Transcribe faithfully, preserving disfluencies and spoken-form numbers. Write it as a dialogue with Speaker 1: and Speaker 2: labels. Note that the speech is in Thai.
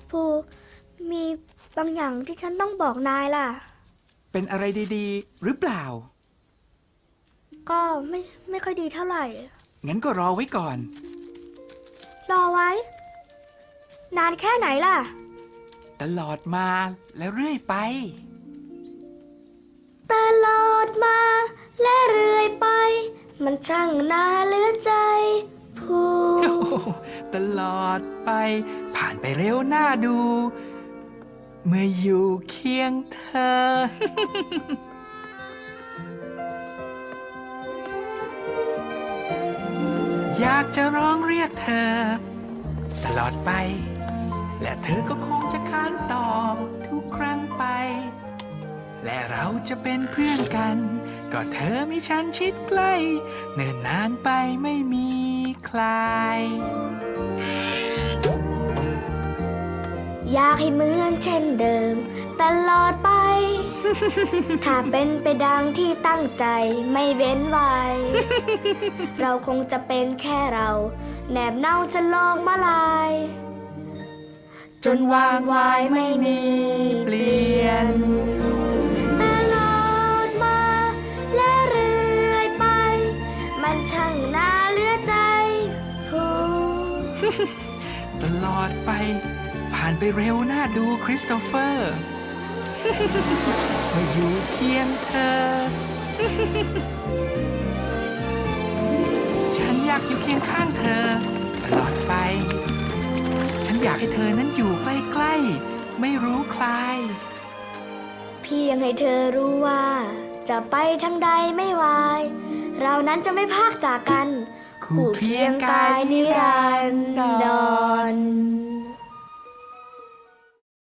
Speaker 1: ภูมีบางอย่างที่ฉันต้องบอกนายล่ะ
Speaker 2: เป็นอะไรดีๆ หรือเปล่า
Speaker 1: ก็ไม่ไม่ค่อยดีเท่าไหร่
Speaker 2: งั้นก็รอไว้ก่อน
Speaker 1: รอไว้ นานแค่ไหนล่ะ
Speaker 2: ตลอดมาและเรื่อยไป
Speaker 1: ตลอดมาและเรื่อยไป มันช่างน่าเหลือใจภู
Speaker 2: ตลอดไป ผ่านไปเร็วน่าดู เมื่ออยู่เคียงเธอ อยากจะร้องเรียกเธอ ตลอดไป และเธอก็คงจะค้านตอบทุกครั้งไป และเราจะเป็นเพื่อนกัน ก็เธอมีฉันชิดใกล้ เนิ่นนานไปไม่มีใคร
Speaker 1: อยากให้เหมือนเช่นเดิม ตลอดไป ถ้าเป็นไปดังที่ตั้งใจไม่เว้นไว้ เราคงจะเป็นแค่เรา แนบเน่าจะลองมาลาย
Speaker 2: จนวางวายไม่มีเปลี่ยน
Speaker 1: ตลอดมาและเรื่อยไป มันช่างน่าเหลือใจภู
Speaker 2: ตลอดไป ผ่านไปเร็วน่าดูคริสโตเฟอร์ มาอยู่เคียงเธอ ฉันอยากอยู่เคียงข้างเธอ ตลอดไป ฉันอยากให้เธอนั้นอยู่ใกล้ๆไม่รู้ใคร
Speaker 1: เพียงให้เธอรู้ว่า จะไปทางใดไม่วาย เรานั้นจะไม่พากจากกัน
Speaker 2: คู่เคียงกายนิรันดร